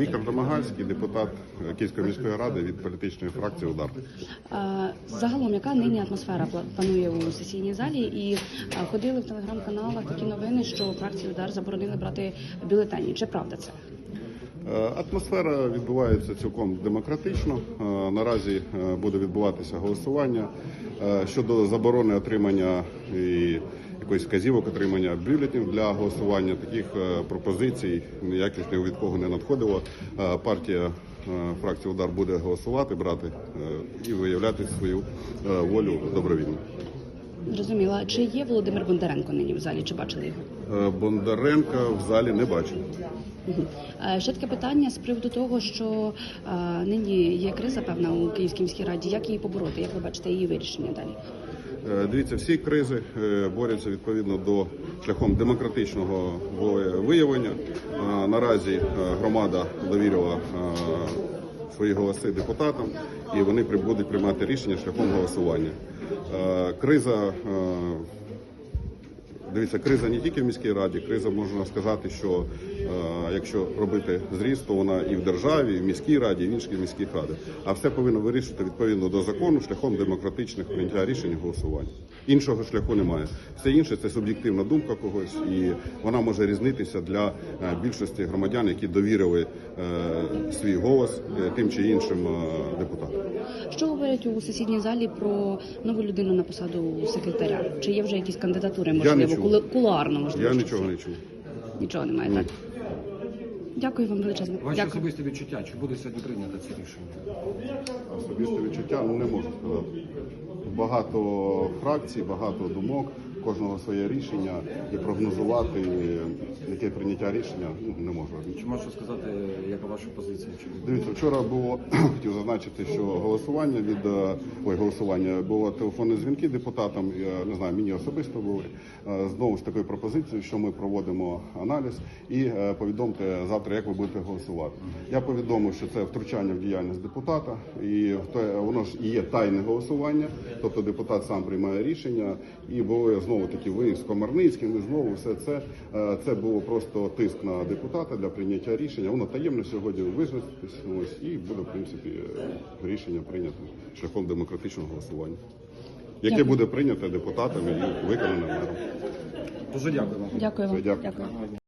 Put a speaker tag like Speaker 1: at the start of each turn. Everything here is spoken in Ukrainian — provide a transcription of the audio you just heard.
Speaker 1: Віктор Домагальський, депутат Київської міської ради від політичної фракції «Удар».
Speaker 2: Загалом, яка нині атмосфера панує у сесійній залі? І ходили в телеграм-каналах такі новини, що фракції «Удар» заборонили брати бюлетені. Чи правда це?
Speaker 1: Атмосфера відбувається цілком демократично. Наразі буде відбуватися голосування щодо заборони отримання і якоїсь вказівок отримання бюлетенів для голосування. Таких пропозицій ніяких ні від кого не надходило. Партія фракції «Удар» буде голосувати, брати і виявляти свою волю добровільно.
Speaker 2: Зрозуміла. Чи є Володимир Бондаренко нині в залі? Чи бачили його?
Speaker 1: Бондаренка в залі не бачу.
Speaker 2: Ще таке питання з приводу того, що нині є криза, певна, у Київській міській раді. Як її побороти? Як ви бачите її вирішення далі?
Speaker 1: Дивіться, всі кризи борються відповідно до шляхом демократичного виявлення. Наразі громада довірила свої голоси депутатам, і вони будуть приймати рішення шляхом голосування. Криза не тільки в міській раді, криза, можна сказати, що якщо робити зріст, то вона і в державі, і в міській раді, і в інших міських радах. А все повинно вирішити відповідно до закону шляхом демократичних прийняття рішень і голосувань. Іншого шляху немає. Все інше – це суб'єктивна думка когось, і вона може різнитися для більшості громадян, які довірили свій голос тим чи іншим депутатам.
Speaker 2: Що говорять у сесійній залі про нову людину на посаду секретаря? Чи є вже якісь кандидатури, можливо, кулуарно, можливо?
Speaker 1: Я нічого не чув.
Speaker 2: Нічого немає, так? Дякую вам величезно.
Speaker 3: Ваші особисті відчуття, чи буде сьогодні прийнято це рішення?
Speaker 1: Особисте відчуття, не можу сказати. Багато фракцій, багато думок, кожного своє рішення, і прогнозувати, яке прийняття рішення, не можу.
Speaker 3: Чи можете сказати, яка ваша позиція?
Speaker 1: Дивіться, вчора було, хотів зазначити, що голосування було телефонні дзвінки депутатам, я не знаю, мені особисто були, знову з такою пропозицією, що ми проводимо аналіз і повідомте завтра, як ви будете голосувати. Я повідомив, що це втручання в діяльність депутата, і воно ж і є тайне голосування, тобто депутат сам приймає рішення, і були знову таки ви з Комарницьким, і знову все це було просто тиск на депутата для прийняття рішення. Воно таємно сьогодні визначитись, і буде, в принципі, рішення прийнято шляхом демократичного голосування, яке буде прийнято депутатами і виконане мером.
Speaker 3: Дуже дякую вам.
Speaker 2: Дякую вам.
Speaker 1: Дякую.